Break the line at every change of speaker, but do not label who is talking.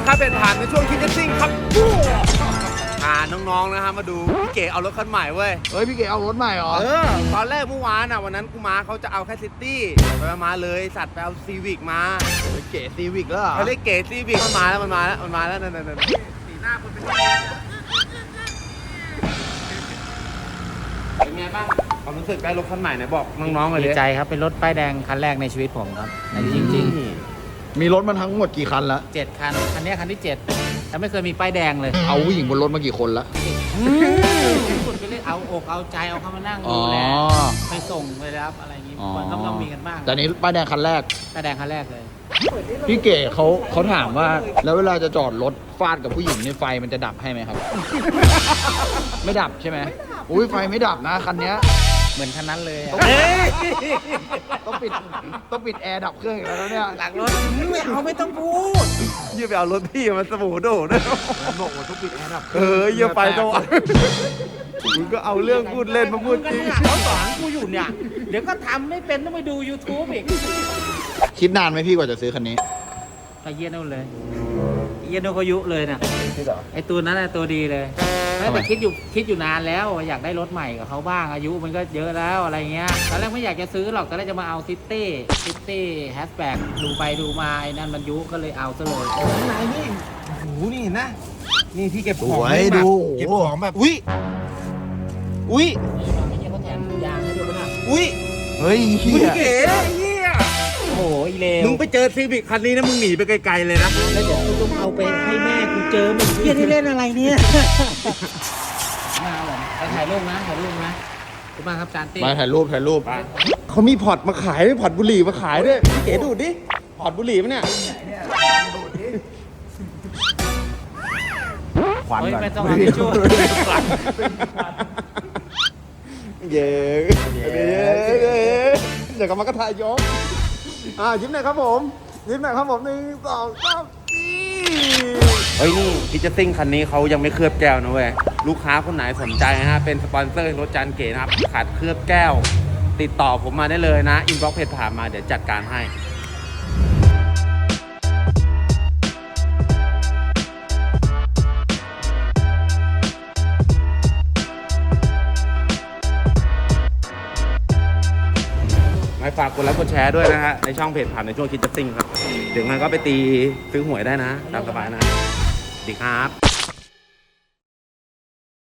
นะครับเป็นผ่านในช่วงคิดจะซิ่งครับน้องๆนะครับมาดูพี่เก๋เอารถคันใหม่เว้ย
เฮ้ยพี่เก๋เอารถใหม่เหรอ
ตอนแรกเมื่อวานวันนั้นกูมาเขาจะเอาแค่ซิตี้ไปมาเลยสัตว์ไปเอาซีวิกมา
เก๋ซีวิกแล้วเหรอ
เขาเรียกเก๋ซีวิกมันมาแล้วนั่นสีหน้าคนเป็นไงบ้างความรู้สึกได้รถคันใหม่ไหนบอกน้องๆเลย
ดีใจครับเป็นรถป้ายแดงคันแรกในชีวิตผมครับจริง
มีรถมันทั้งหมดกี่คันละ
7 คันคันนี้คันที่7แต่ไม่เคยมีป้ายแดงเลย
เอาผู้หญิงบนรถมากี่คนละ
คุณไปเล่นเอาอกเอาใจเอาเขามานั่งดูแลไปส่งไปรับอะไรอย่างงี้คนก็ต้องมีกันบ้าง
แต่นี้ป้ายแดงคันแรก
ป้ายแดงคันแรกเลย
พี่เก๋เขาถามว่าแล้วเวลาจะจอดรถฟาดกับผู้หญิงในไฟมันจะดับให้ไหมครับไม่ดับใช่ไหมอุ้ยไฟไม่ดับนะคันนี้
เหมือนคันนั้นเลย
ต้องปิดแอร์ดับเครื่องอีกแล้วเนี่ย
หลังรถไม่ต้องพูด
ยืมไปเอารถพี่มันสบู่โดดนะ
บอกว่าต้องปิดแอร์ดับ
อย่าไปตัวมึงก็เอาเรื่องพูดเล่นมาพูดจริง
เขาสอนกูอยู่เนี่ยเดี๋ยวก็ทำไม่เป็นต้องไปดู YouTube อีก
คิดนานไหมพี่กว่าจะซื้อคันนี้
ไปเยี่ยนนู่นเลยเยี่ยนนู่นเขายุเลยนะไอตัวนั้นตัวดีเลยแต่คิดอยู่นานแล้วอยากได้รถใหม่กับเขาบ้างอายุมันก็เยอะแล้วอะไรเงี้ยตอนแรกไม่อยากจะซื้อหรอกตอนแรกจะมาเอาซิตี้แฮชแบ็กดูไปดูมาไอ้นั่นมันยุก็เลยเอาซะเลย
ไหนนี่โอ้โหนี่เห็นนะนี่พี่เก็บของ
ดู
เก็บของแบบอุ้ย
ไอ้เงี้ยเขาแถมยางให้ด้วยนะ
เฮ้ย
เก๋
โอ้ยเลว
มึงไปเจอซีวิคคันนี้นะมึงหนีไปไกลๆเลยนะ
แล้วเดี๋ยวกูต้องเอาไปให้แม่กูเจอมึงเฮียที่เล่นอะไรเนี่ยมาเหรอไปถ่ายรูปนะขอบคุณมากครับจานตี้
มาถ่ายรูป
เขามีพอร์ตมาขายด้วยพอร์ตบุหรี่มาขายด้วยพี่เก๋ดูดิพอร์ตบุหรี่มั้ยเนี่ย
ควันไม่ต้องเอาทิชชู่
เย้เดี๋ยวกลับมากระทายย้อมยิ้มหน่อยครับผม1 2 3เฮ้ยนี่พิจซิ่งคันนี้เขายังไม่เคลือบแก้วนะเว้ยลูกค้าคนไหนสนใจนะฮะเป็นสปอนเซอร์รถจานเก๋นะครับขาดเคลือบแก้วติดต่อผมมาได้เลยนะอินบ็อกซ์เพจผ่านมาเดี๋ยวจัดการให้ฝากกดไลค์กดแชร์ด้วยนะฮะในช่องเพจผ่านในช่วงคิดจะซิ่งครับเดี๋ยวงั้นก็ไปตีซื้อหวยได้นะตามสบายนะสวัสดีครับ